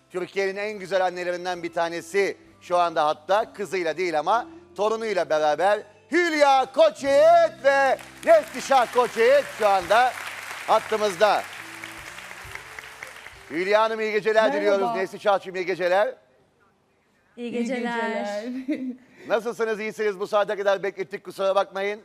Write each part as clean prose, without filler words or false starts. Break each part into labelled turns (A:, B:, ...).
A: Türkiye'nin en güzel annelerinden bir tanesi şu anda hatta kızıyla değil ama torunuyla beraber Hülya Koçyiğit ve Neslişah Koçyiğit şu anda hattımızda. Hülya Hanım iyi geceler
B: Merhaba.
A: diliyoruz. Neslişah'cığım iyi geceler.
C: İyi geceler.
A: Nasılsınız, iyisiniz? Bu saate kadar beklettik, kusura bakmayın.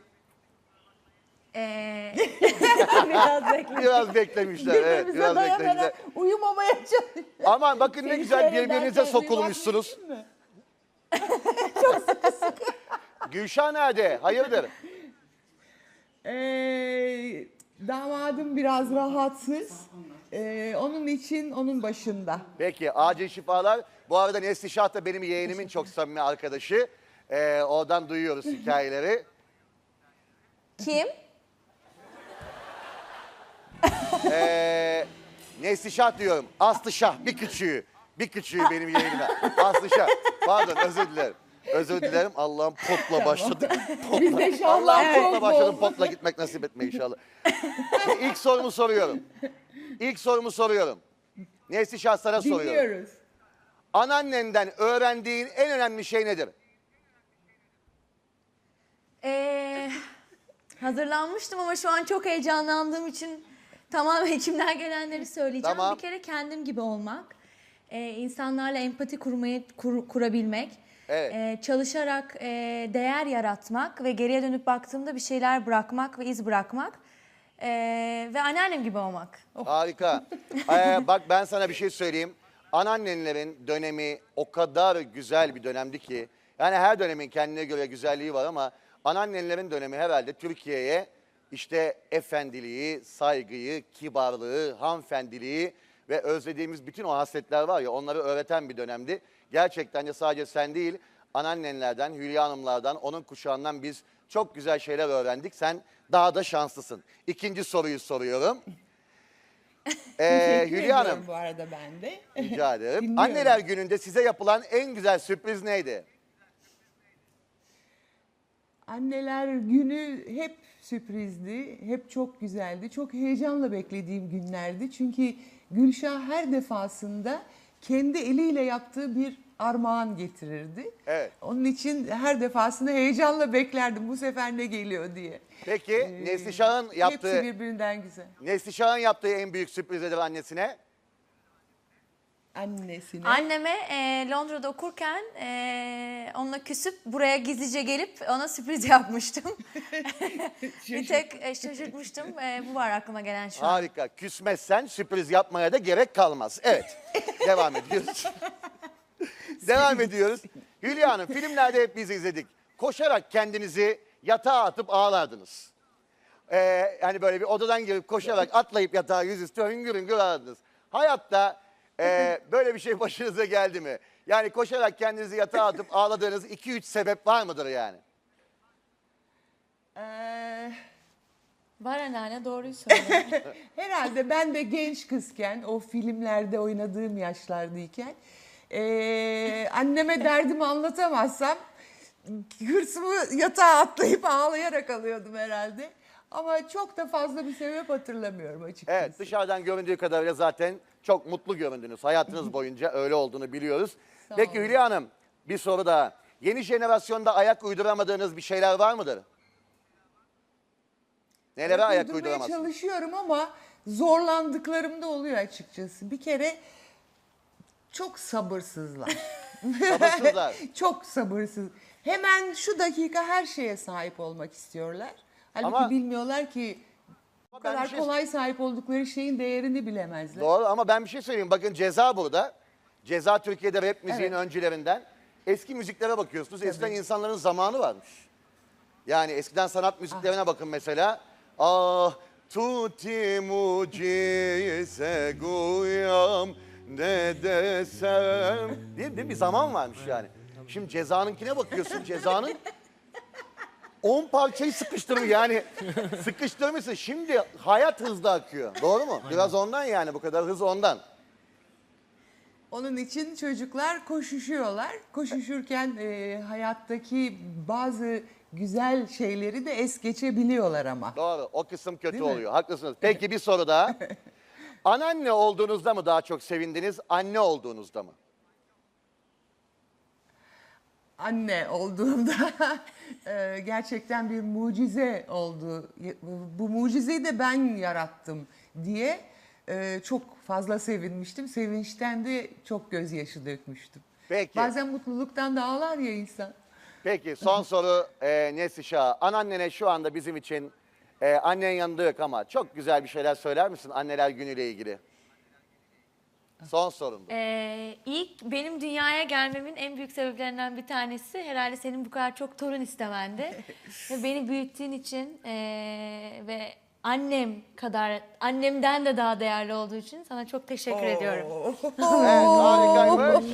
C: Biraz bekle.
A: Biraz beklemişler. Evet,
B: Birbirimize
A: biraz beklemişler.
B: dayanarak uyumamaya çalışıyoruz.
A: Aman bakın ne güzel birbirinize sokulmuşsunuz.
B: Çok sıkı sıkı.
A: Gülşah nerede? Hayırdır?
B: Damadım biraz rahatsız. Onun için onun başında.
A: Peki, acil şifalar. Bu arada Neslişah da benim yeğenimin çok samimi arkadaşı. Oradan duyuyoruz hikayeleri.
C: Kim?
A: Neslişah diyorum. Aslışah, bir küçüğü. Bir küçüğü benim yeğenime. Aslışah. Pardon, özür dilerim. Özür dilerim. Allah'ım potla başladık.
B: Biz de şahlar
A: Allah'ım potla
B: çok
A: başladım.
B: bol.
A: Potla gitmek nasip etme inşallah. İlk sorumu soruyorum. İlk sorumu soruyorum. Neslişah sana soruyorum.
B: Dinliyoruz.
A: Anneannenden öğrendiğin en önemli şey nedir?
C: Hazırlanmıştım ama şu an çok heyecanlandığım için tamamen içimden gelenleri söyleyeceğim.
A: Tamam.
C: Bir kere kendim gibi olmak, insanlarla empati kurabilmek,
A: Evet.
C: çalışarak değer yaratmak ve geriye dönüp baktığımda bir şeyler bırakmak ve iz bırakmak ve anneannem gibi olmak.
A: Harika. Bak ben sana bir şey söyleyeyim. Anneannelerin dönemi o kadar güzel bir dönemdi ki. Yani her dönemin kendine göre güzelliği var ama anneannelerin dönemi herhalde Türkiye'ye işte efendiliği, saygıyı, kibarlığı, hanımefendiliği ve özlediğimiz bütün o hasletler var ya onları öğreten bir dönemdi. Gerçekten de sadece sen değil anneannelerden, Hülya Hanımlardan, onun kuşağından biz çok güzel şeyler öğrendik. Sen daha da şanslısın. İkinci soruyu soruyorum.
B: Teşekkür
A: Hülya Hanım.
B: ediyorum bu arada ben de.
A: Rica ederim.
B: Dinliyorum.
A: Anneler gününde size yapılan en güzel sürpriz neydi?
B: Anneler günü hep sürprizdi, hep çok güzeldi. Çok heyecanla beklediğim günlerdi. Çünkü Gülşah her defasında kendi eliyle yaptığı bir armağan getirirdi.
A: Evet.
B: Onun için her defasında heyecanla beklerdim bu sefer ne geliyor diye.
A: Peki Neslişah'ın yaptığı,
B: Hepsi birbirinden güzel.
A: Neslişah'ın yaptığı en büyük sürpriz nedir annesine?
B: Annesine.
C: Anneme Londra'da okurken onunla küsüp buraya gizlice gelip ona sürpriz yapmıştım. Bir tek şaşırtmıştım. Bu var aklıma gelen şu an.
A: Harika. Küsmezsen sürpriz yapmaya da gerek kalmaz. Evet. Devam ediyoruz. Devam ediyoruz. Hülya Hanım filmlerde hep biz izledik. Koşarak kendinizi yatağa atıp ağlardınız. Hani böyle bir odadan girip koşarak atlayıp yatağa yüzüstü hüngür hüngür ağladınız. Hayatta böyle bir şey başınıza geldi mi? Yani koşarak kendinizi yatağa atıp ağladığınız 2-3 sebep var mıdır yani?
C: Var anneanne doğruyu söylüyor.
B: Herhalde ben de genç kızken, o filmlerde oynadığım yaşlardayken anneme derdimi anlatamazsam hırsımı yatağa atlayıp ağlayarak alıyordum herhalde. Ama çok da fazla bir sebep hatırlamıyorum açıkçası.
A: Evet, dışarıdan göründüğü kadarıyla zaten çok mutlu göründünüz. Hayatınız boyunca öyle olduğunu biliyoruz.
B: Sağ
A: Peki
B: olun.
A: Hülya Hanım, bir soru daha. Yeni jenerasyonda ayak uyduramadığınız bir şeyler var mıdır? Nelere ayak
B: Uydurmaya
A: uyduramazsınız?
B: çalışıyorum ama zorlandıklarım da oluyor açıkçası. Bir kere çok sabırsızlar.
A: Sabırsızlar.
B: Çok sabırsız. Hemen şu dakika her şeye sahip olmak istiyorlar. Halbuki
A: Ama-
B: bilmiyorlar ki bu
A: ben bir
B: kadar
A: şey-
B: kolay sahip oldukları şeyin değerini bilemezler.
A: Doğru ama ben bir şey söyleyeyim. Bakın Ceza burada. Ceza Türkiye'de rap müziğin
B: Evet.
A: öncülerinden. Eski müziklere bakıyorsunuz. Eskiden insanların zamanı varmış. Yani eskiden sanat müziklerine bakın mesela. Ah tutti mucize guyam ne desem. Değil mi? Bir zaman varmış yani. Şimdi Ceza'nınkine bakıyorsun. Ceza'nın 10 parçayı sıkıştırmış yani sıkıştırmışsın. Şimdi hayat hızlı akıyor. Doğru mu? Biraz ondan yani bu kadar hız ondan.
B: Onun için çocuklar koşuşuyorlar. Koşuşurken hayattaki bazı güzel şeyleri de es geçebiliyorlar ama.
A: Doğru. O kısım kötü
B: Değil mi?
A: oluyor. Haklısınız. Peki bir soru daha. Anneanne olduğunuzda mı daha çok sevindiniz, anne olduğunuzda mı?
B: Anne olduğumda gerçekten bir mucize oldu. Bu mucizeyi de ben yarattım diye çok fazla sevinmiştim. Sevinçten de çok gözyaşı dökmüştüm.
A: Peki.
B: Bazen mutluluktan da ağlar ya insan.
A: Peki son soru Neslişah. Anneannene şu anda bizim için annen yanında yok ama çok güzel bir şeyler söyler misin anneler günüyle ilgili? Son sorumdu.
C: İlk benim dünyaya gelmemin en büyük sebeplerinden bir tanesi herhalde senin bu kadar çok torun istemendi. Ve beni büyüttüğün için ve annem kadar, annemden de daha değerli olduğu için sana çok teşekkür ediyorum.
A: Evet, harikaymış.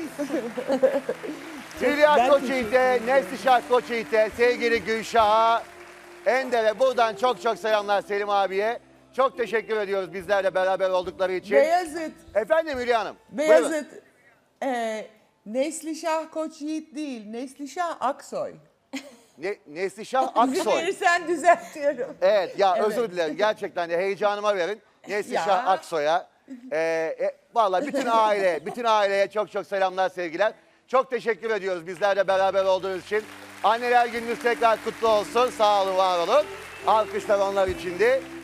A: Hülya Koçyiğit'e, Neslişah Koçyiğit'e, sevgili Gülşah'a, Ender'e buradan çok çok selamlar Selim abiye. Çok teşekkür ediyoruz bizlerle beraber oldukları için.
B: Beyazıt,
A: Efendim Hülya Hanım. buyurun.
B: Beyazıt. Neslişah Koçyiğit değil, Neslişah Aksoy.
A: Neslişah Aksoy.
B: Verirsen düzeltiyorum.
A: Evet ya
B: Evet.
A: özür dilerim gerçekten de heyecanıma verin. Neslişah
B: Ya.
A: Aksoy'a. Vallahi bütün aileye çok çok selamlar sevgiler. Çok teşekkür ediyoruz bizlerle beraber olduğunuz için. Anneler gününüz tekrar kutlu olsun. Sağ olun, var olun. Alkışlar onlar içindi.